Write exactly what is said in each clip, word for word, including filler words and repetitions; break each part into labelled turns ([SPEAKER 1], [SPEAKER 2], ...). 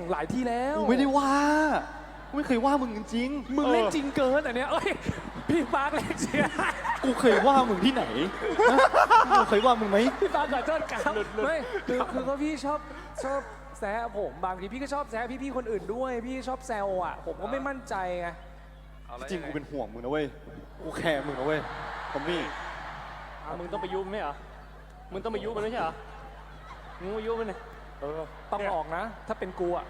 [SPEAKER 1] หลายที่แล้ว
[SPEAKER 2] กูไม่ได้ว่ากูไม่เคยว่ามึงจริงๆ
[SPEAKER 1] มึงเล่นจริงเกินอันเนี้ยเอ้ยพี่ปาร์คเล่นเชียร์
[SPEAKER 2] กูเคยว่ามึงที่ไหนกูเคยว่ามึงไหม
[SPEAKER 1] พี่ปาร์คขอโทษครับไม่คือคือก็พี่ชอบชอบแซะผมบางทีพี่ก็ชอบแซะพี่ๆคนอื่นด้วยพี่ชอบแซวอ่ะผมก็ไม่มั่นใจไง
[SPEAKER 2] จริงกูเป็นห่วงมึงนะเว้ยกูแคร์มึงนะเว้ยทอมมี่
[SPEAKER 3] มึงต้องไปยุบไหมเหรอมึงต้องไปยุบมันไม่ใช่เหรอมึงไปยุบมันเลย
[SPEAKER 1] เออต้องออกนะถ้าเป็นกูอ่ะ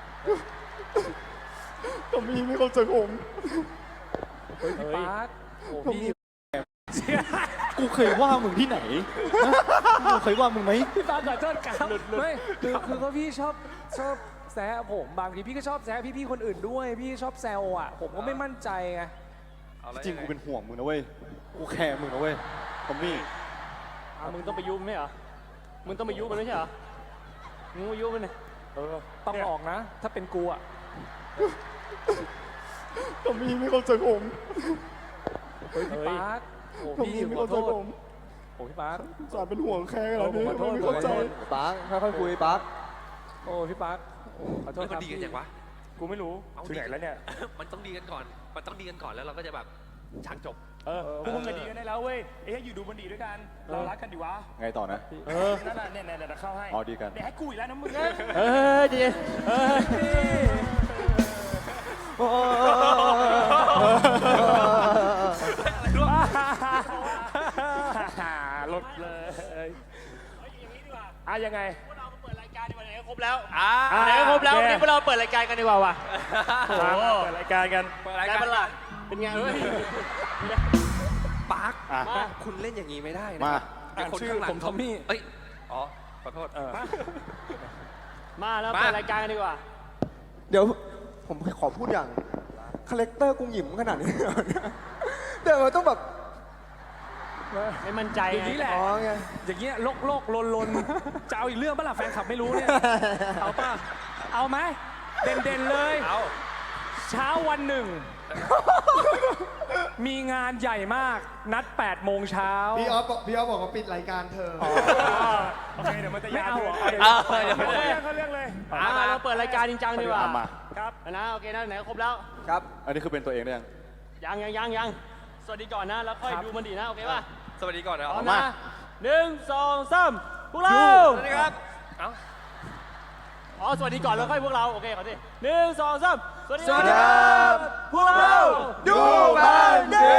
[SPEAKER 2] ทอมมี่ไม่เข้าใจผม
[SPEAKER 1] เฮ้ยพี่ปาร์คโอ้พี่
[SPEAKER 2] กูเคยว่ามึงที่ไหนกูเคยว่ามึงไหม
[SPEAKER 1] พี่ปาร์คขอโทษครับไม่คือคือก็พี่ชอบชอบแซะผมบางทีพี่ก็ชอบแซะพี่ๆคนอื่นด้วยพี่ชอบแซวอ่ะผมก็ไม่มั่นใจไง
[SPEAKER 2] จริงกูเป็นห่วงมึงนะเว้ยกูแคร์มึงนะเว้ยทอมมี่
[SPEAKER 3] มึงต้องไปยุบไหมเหรอมึงต้องไปยุบมันไม่ใช่เหรอมึงไปยุบมันเลย
[SPEAKER 1] เออต้องออกนะถ้าเป็นกูอ่ะ
[SPEAKER 2] ทอมมี่ไม่เข้าใจผม
[SPEAKER 1] เฮ้ยพี่ปาร์คโอ้พี่ขอโทษโอ้พี่ปาร์ค
[SPEAKER 2] สารเป็นห่วงแค่อะไรนี่
[SPEAKER 1] ขอโทษ
[SPEAKER 2] ไม่เข้าใจ
[SPEAKER 4] ปาร์คค่อยๆคุยปาร์ค
[SPEAKER 1] โอ้พี่ปาร์คขอโทษครับ
[SPEAKER 5] มันดีกันอย่างวะ
[SPEAKER 1] กูไม่รู้ถึงไหนแล้วเนี่ย
[SPEAKER 5] มันต้องดีกันก่อนมันต้องดีกันก่อนแล้วเราก็จะแบบฉากจบ
[SPEAKER 1] เออพวกมึงก็ดีกันได้แล้วเว้ยเอ๊ะอยู่ดูมันดีด้วยกันเรารักกันดีวะ
[SPEAKER 2] ไงต่อนะ
[SPEAKER 1] เออนั่นน่ะเนี่ยเนี่ยเข้าให้
[SPEAKER 2] อ๋อดีกัน
[SPEAKER 1] เนี่ยให้กูอีกแล้วนะมึง
[SPEAKER 3] เออดีเออ
[SPEAKER 1] ลดเลยอ่ะยังไง
[SPEAKER 3] พวกเราเปิดรายการดีกว่าไหนก็ครบแล้วอ่าไหนก็ครบแล้ววันนี้พวกเราเปิดรายการกันดีกว่าว่ะ
[SPEAKER 1] เปิดรายการกัน
[SPEAKER 5] เปิดรายการเป็นหลัก
[SPEAKER 3] เป็นไงเฮ้ย
[SPEAKER 5] ปาร์คคุณเล่นอย่างนี้ไม่ได้นะ
[SPEAKER 2] มา
[SPEAKER 1] ชื่อผมทอมมี่
[SPEAKER 5] เอ้ยอ๋อขอโทษ
[SPEAKER 3] มาแล้วเปิดรายการกันดีกว่า
[SPEAKER 4] เดี๋ยวผมขอพูดอย่างคาแรคเตอร์กุ้งหยิมขนาดนี้เดี๋ยวต้องแบบ
[SPEAKER 3] ไม่มั่นใจ
[SPEAKER 1] อย่างนี้แหละอย่างเงี้ยโลกโลกลนลนจะเอาอีกเรื่องป่ะล่ะแฟนคลับไม่รู้เนี่ยเอาป่ะเอาไหมเด่นเด่นเลย
[SPEAKER 5] เอา
[SPEAKER 1] เช้าวันหนึ่งมีงานใหญ่มากนัดแปดโมงเช้า
[SPEAKER 4] พี่ออฟพี่ออฟบอกว่าปิดรายการเธอ
[SPEAKER 1] โอเคเดี๋ยวมันจะยาว
[SPEAKER 5] เดี๋ยว
[SPEAKER 1] เขาเรื่องเขาเรื่องเลย
[SPEAKER 3] มาเราเปิดรายการจริงจังดีกว่า
[SPEAKER 1] ครับ
[SPEAKER 3] นะโอเคนะไหนครบแล้ว
[SPEAKER 4] ครับ
[SPEAKER 2] อันนี้คือเป็นตัวเองหรือ
[SPEAKER 3] ยังยังยังยังยังสวัสดีก่อนนะแล้วค่อยดูมันดีนะโอเคป่ะ
[SPEAKER 5] สวัสดีก่อนนะ
[SPEAKER 3] เอามาหนึ่งสองสามพวกเรา
[SPEAKER 5] สวัสดีครับเอ้า
[SPEAKER 3] อ๋อสวัสดีก่อนแล้วค่อยพวกเราโอเคขอทีหนึ่งสองสามสวัสดี
[SPEAKER 4] ครับพวกเราดูบันดี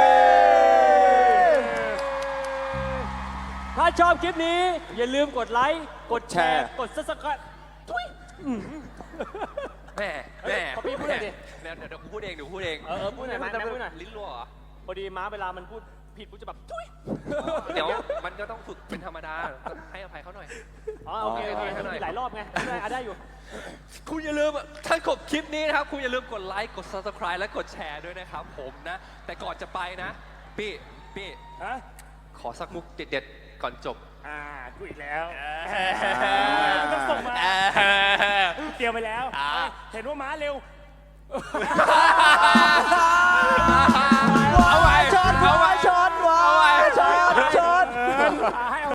[SPEAKER 3] ถ้าชอบคลิปนี้อย่าลืมกดไลค์กดแชร์กดซับสไครบ์ทุย
[SPEAKER 5] แม่แม่
[SPEAKER 3] ขอพี่พูดหน่อยดิ
[SPEAKER 5] เดี๋ยวเดี๋ยวกูพูดเองเดี๋ยวพูดเอง
[SPEAKER 3] เออพูดหน่อยพูดหน่อย
[SPEAKER 5] ลิ้นรั่วเหรอ
[SPEAKER 3] พอดีม้าเวลามันพูดผิดกูจะแบบทุย
[SPEAKER 5] เดี๋ยวมันก็ต้องฝึกเป็นธรรมดาให้อภัยเขาหน่อย
[SPEAKER 3] อ๋อโอเคโอเคหลายรอบไงได้ได้อยู่
[SPEAKER 5] คุณอย่าลืมถ้าจบคลิปนี้นะครับคุณอย่าลืมกดไลค์กด ซับสไครบ์ และกดแชร์ด้วยนะครับผมนะแต่ก่อนจะไปนะพี่พี่ขอสักมุกเด็ดๆก่อนจบ
[SPEAKER 1] อ่ากูอีกแล้วต้องส่งมาเตรียมไปแล้วเห็นว่าม้าเร็ว
[SPEAKER 4] เอาไว้ช็อตเอาไว้ช็อตเอาไว้ช็อตช็อต
[SPEAKER 1] ให้